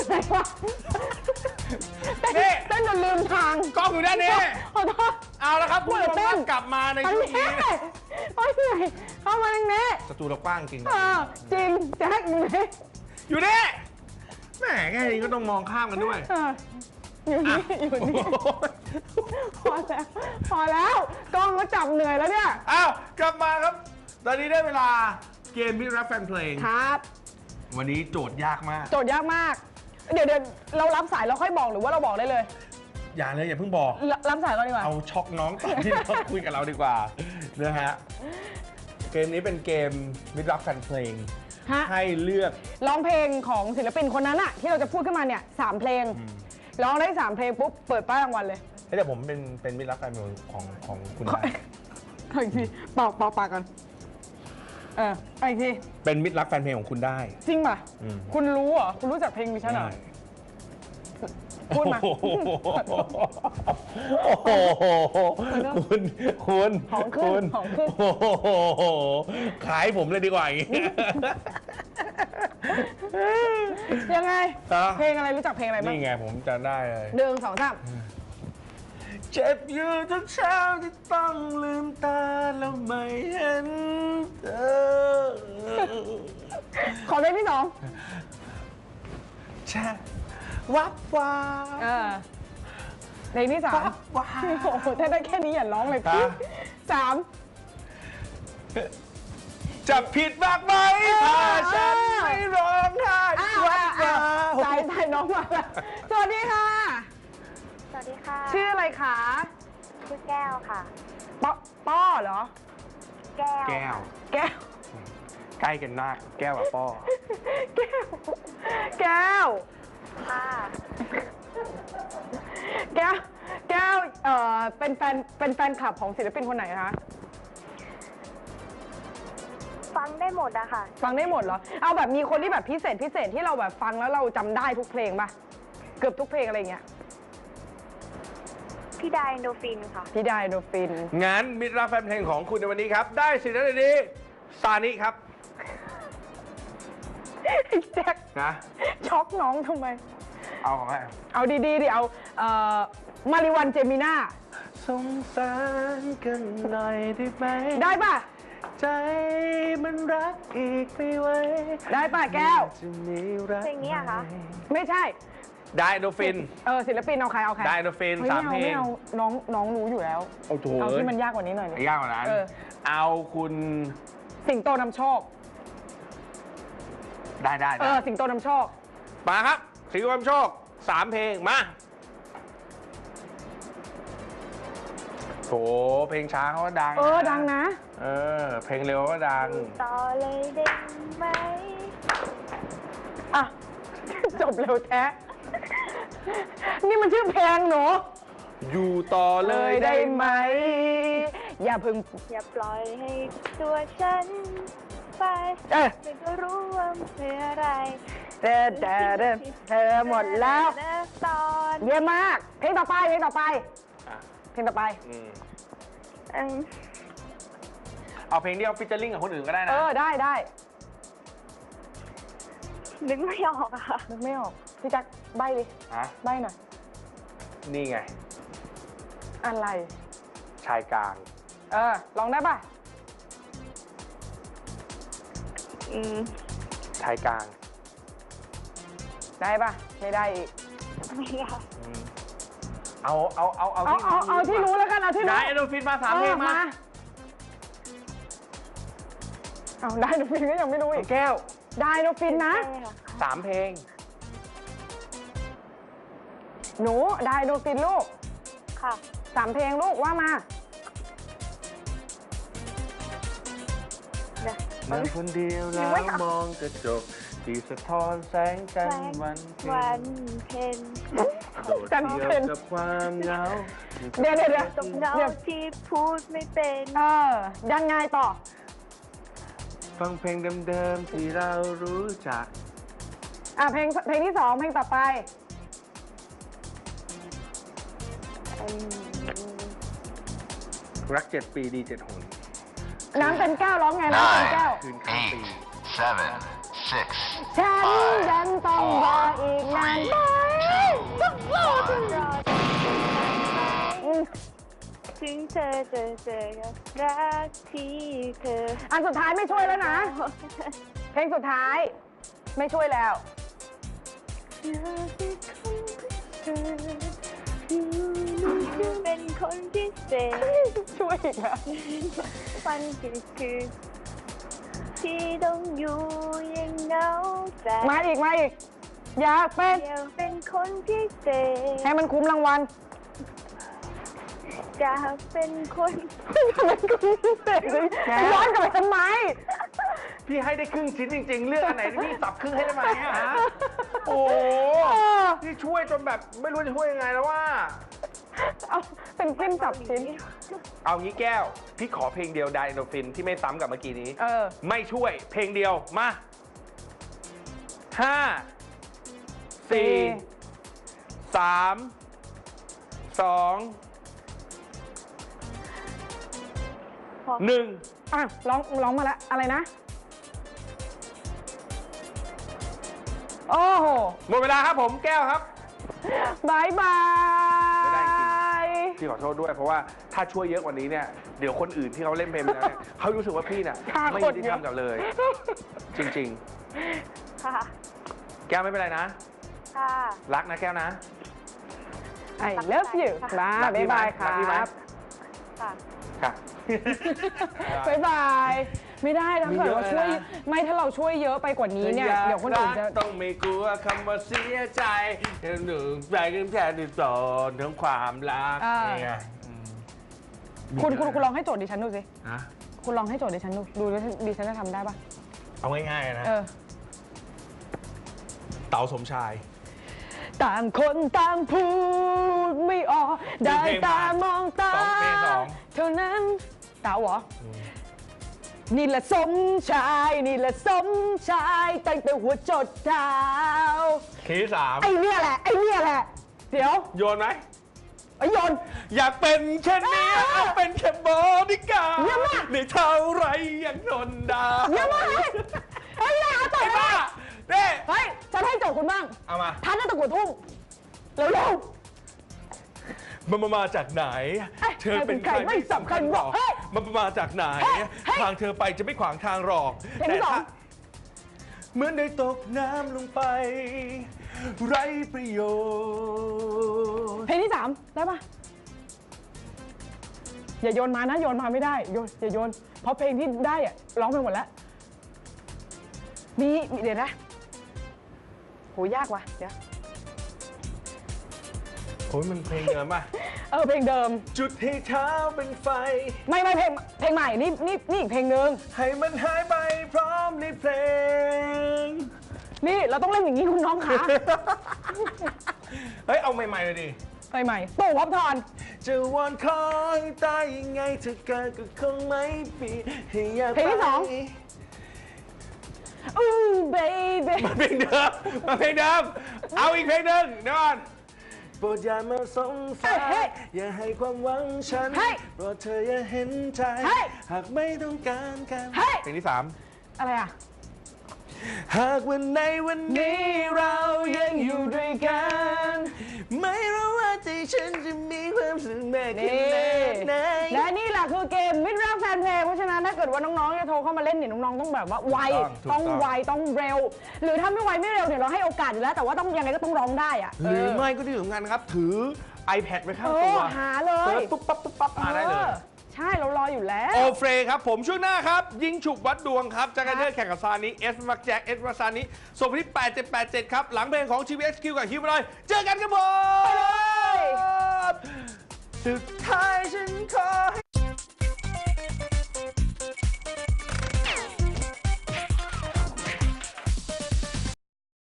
ไหนวะนี่เต้นจนลืมทางกล้องอยู่ด้านนี้ขอโทษเอาละครับคุณผู้ชมกลับมาในช่วงนี้โอ้ยเหนื่อยเข้ามาตรงนี้สตูเรากว้างจริงจริงแจ็คอยู่นี่แหมแค่นี้ก็ต้องมองข้ามกันด้วยอยู่นี่พอแล้วกล้องก็จับเหนื่อยแล้วเนี่ยอ้าวกลับมาครับตอนนี้ได้เวลาเกมมิตรรักแฟนเพลงครับวันนี้โจทย์ยากมากโจทย์ยากมากเดี๋ยวเรารับสายเราค่อยบอกหรือว่าเราบอกได้เลยอย่าเลยอย่าเพิ่งบอกรับสายก่อนดีกว่าเอาช็อกน้องตอนที่เขาคุยกับเราดีกว่านะฮะเกมนี้เป็นเกมมิตรรักแฟนเพลงให้เลือกร้องเพลงของศิลปินคนนั้นอะที่เราจะพูดขึ้นมาเนี่ย3 เพลงร้องได้3 เพลงปุ๊บเปิดป้ายรางวัลเลยแต่ผมเป็นมิตรรักแฟนเพลงของคุณได้อีกทีปากก่อนอีกทีเป็นมิตรรักแฟนเพลงของคุณได้จริงป่ะคุณรู้เหรอคุณรู้จักเพลงดิฉันเหรอพูดมาคุณของขึ้นขายผมเลยดีกว่าอย่างนี้ยังไงเพลงอะไรรู้จักเพลงอะไรบ้างนี่ไงผมจะได้เลย 1 2 3 เจ็บอยู่ทุกเช้าที่ต้องลืมตาแล้วไม่เห็นเธอขอเพลงที่ 2 ใช่วับวาเพลงที่ 3 วับวาโอ้โหถ้าได้แค่นี้อย่าร้องเลยพี่3 จะผิดมากไหมถ้าฉันไม่ร้องไห้วับวาใจน้องมาสวัสดีค่ะสวัสดีค่ะชื่ออะไรคะชื่อแก้วค่ะป้อเหรอแก้วใกล้กันมากแก้วกับป้อแก้วค่ะแก้วเป็นแฟนคลับของศิลปินคนไหนคะฟังได้หมดอะค่ะฟังได้หมดเหรอเอาแบบมีคนที่แบบพิเศษที่เราแบบฟังแล้วเราจำได้ทุกเพลงป่ะเกือบทุกเพลงอะไรเงี้ยพี่ไดโนฟินค่ะพี่ไดโนฟินงั้นมิตรรักแฟนเพลงของคุณในวันนี้ครับได้สิทธิ์ในนี้ซานิครับแจ็คนะช็อกน้องทำไมเอาของใครเอาดีดิเอามาริวันเจมิน่าสงสารกันหน่อยได้ไหมได้ป่ะใจมันรักอีกไม่ไหวได้ป่ะแก้วเพลงนี้อะคะไม่ใช่ไดโนฟินศิลปินเอาใครไดโนฟิน3 เพลงน้องรู้อยู่แล้วเอาที่มันยากกว่านี้หน่อยยากกว่านั้นเอาคุณสิงโตนำโชคได้สิงโตนำโชคมาครับสิงโตนำโชค3 เพลงมาโหเพลงช้าเขาก็ดังดังนะเพลงเร็วก็ดังต่อเลยได้ไหมจบเร็วแท้นี่มันชื่อเพลงหนูอยู่ต่อเลยได้ไหมอย่าปล่อยให้ตัวฉันไปไม่ก็รู้ว่าเพื่ออะไรเธอหมดแล้วเยอะมากเพลงต่อไปเอาเพลงที่เอาฟิชเจอริ่งกับคนอื่นก็ได้นะได้นึกไม่ออกอะค่ะนึกไม่ออกพี่จักใบ้ดิใบ้หน่อยนี่ไงอะไรชายกลางลองได้ป่ะชายกลางได้ป่ะไม่ได้อีกไม่ได้เอาที่รู้แล้วกันเอาที่รู้ได้โดฟินมา3 เพลงมาเอาได้โดฟินก็ยังไม่รู้อีกแก้วได้โดฟินนะ 3 เพลงหนูได้โดฟินลูกค่ะ 3 เพลงลูกว่ามาเมื่อคนเดียวแล้วมองกระจกที่สะท้อนแสงจันทร์วันเพ็ญโดดเดี่ยวกับความเหงาเดี๋ยวตรงเงาที่พูดไม่เป็นยังไงต่อฟังเพลงเดิมๆที่เรารู้จักเพลงที่ 2เพลงต่อไปรัก7 ปีดี7 หนน้ำเป็นแก้วร้องไงน้ำเป็นแก้วคืนข้ามปี 8, 7, ฉันยังต้องรออีกนานไหมต้องรอถึงรอถึงเธอจะเจอกับรักที่เธออันสุดท้ายไม่ช่วยแล้วนะ เพลงสุดท้ายไม่ช่วยแล้วเป็นคนพิเศษช่วยอีกแล้ววันคือที่ต้องอยู่ยังเหงาใจมาอีกอยากเป็นเดียวเป็นคนพิเศษให้มันคุ้มรางวัลจะเป็นคนมันคุ้มพิเศษเลยย้อนกลับไปทำไมพี่ให้ได้ครึ่งชิ้นจริง ๆ เลือกอันไหนพี่สับครึ่งให้ได้ไหมอะฮะโอ้โหพี่ช่วยจนแบบไม่รู้จะช่วยยังไงแล้วว่าเอาเป็นจิ้มจับชิ้นเอางี้แก้ว พี่ขอเพลงเดียวไดโนฟินที่ไม่ซ้ำกับเมื่อกี้นี้เออไม่ช่วยเพลงเดียวมา5 4 3 2 1 อ่ะร้องมาแล้วอะไรนะ โอ้โหหมดเวลาครับผมแก้วครับบายบายไม่ได้จริง พี่ขอโทษด้วยเพราะว่าถ้าช่วยเยอะกว่านี้เนี่ยเดี๋ยวคนอื่นที่เขาเล่นเพลงไปแล้วเนี่ยเขารู้สึกว่าพี่เนี่ยฆ่าไม่คยุนติเยธรอะรมกับเลย จริงค่ะๆ แก้วไม่เป็นไรนะค่ะรักนะแก้วนะ I love you มารักบาพี่ยไหมบายครัรักพี่ไหมบค่ะค่ะบายบาย ไม่ได้ถ้าเกิดว่าช่วยมีเยอะนะไม่ถ้าเราช่วยเยอะไปกว่านี้เนี่ย เดี๋ยวคนอื่นจะต้องไม่กลัวคำว่าเสียใจหนึ่งใจกันแค่หนึ่งตอนทั้งความรักอ่านี่ไงคุณลองให้โจทย์ดิฉันดูสิฮะคุณลองให้โจทย์ดิฉันดูดิฉันจะทำได้ปะเอาง่ายๆนะเออเต๋าสมชายต่างคนต่างพูดไม่ออกได้ตามองตาเพลงสองเท่านั้นเต๋าเหรอนี่แหละสมชายนี่แหละสมชายตั้งแต่หัวจดเท้าคีย์สามไอ้เนี่ยแหละเดี๋ยวโยนไหมไอ้โยนอยากเป็นแค่นี้อ่าเอาเป็นแค่บอดี้การ์เยี่ยมมากดในเท่าไรยังทนได้เยี่ยมมากเลยเฮ้ยอย่าเอาต่อไอ้ยบ้ามาเน่เฮ้ยฉันให้โจทย์คุณบ้างเอามาทันหน้าตะกั่วทุ่งเร็วมันมาจากไหนเอ้ยเธอเป็นใครใครเป็นใครไม่สำคัญหรอกเฮ้ยมันมาจากไหนเฮ้ยเฮ้ยทางเธอไปจะไม่ขวางทางหรอกเพลงที่สองเหมือนได้ตกน้ำลงไป ไร้ประโยชน์เพลงที่ 3 ได้ปะอย่าโยนมานะโยนมาไม่ได้อย่าโยน เพราะเพลงที่ได้อะร้องไปหมดแล้วมีเดี๋ยวนะโหยากว่ะเดี๋ยวโอ้ยมันเพลงเดิมป่ะเพลงเดิมจุดให้เท้าเป็นไฟไม่เพลงใหม่นี่อีกเพลงหนึ่งให้มันหายไปพร้อมในเพลงนี่เราต้องเล่นอย่างนี้คุณน้องขาเฮ้ย เอาใหม่ๆเลยดิใหม่ตู่พับทอนจะวอนขอให้ตายยังไงเธอเกิดก็คงไม่ปีให้อยากเพลงที่สอง อู้เบบี้มาเพลงเดิมมาเพลงเดิมเอาอีกเพลงหนึ่งเดี๋ยวก่อนโปรดอย่ามาสงสัยอย่าให้ความหวังฉันโปรดเธออย่าเห็นใจหากไม่ต้องการกันเพลงที่ 3 อะไรอ่ะหากวันในวันนี้เรายังอยู่ด้วยกัน ไม่รู้ว่าใจฉันจะมีความสุขมากขนี่นาดไหนและนี่แหละคือเกมมิตรรักแฟนเพลงเพราะฉะนั้นถ้าเกิดว่าน้องๆจะโทรเข้ามาเล่นเนี่ยน้องๆต้องแบบว่าไวถูกต้องไวต้องเร็ว หรือถ้าไม่ไวไม่เร็วเนี่ยเราให้โอกาสอยู่แล้วแต่ว่าต้องยังไงก็ต้องร้องได้อะหรือไม่ก็ที่สำคัญครับ ถือ iPad ไว้ข้างตัวหาเลยเปิดปุ๊บปั๊บปุ๊บปั๊บมาได้เลยใช่เรารออยู่แล้วโอเฟรครับผมช่วงหน้าครับ ยิงฉุบวัดดวงครับจักรเทอร์แข่งกับซานิเอสมักแจ็คเอสมาซานิส่งไปที่8787 ครับ หลังเพลงของ GVXQ กับฮิวมาเลยเจอกันครับผมไปเลยสุดท้ายฉันขอให้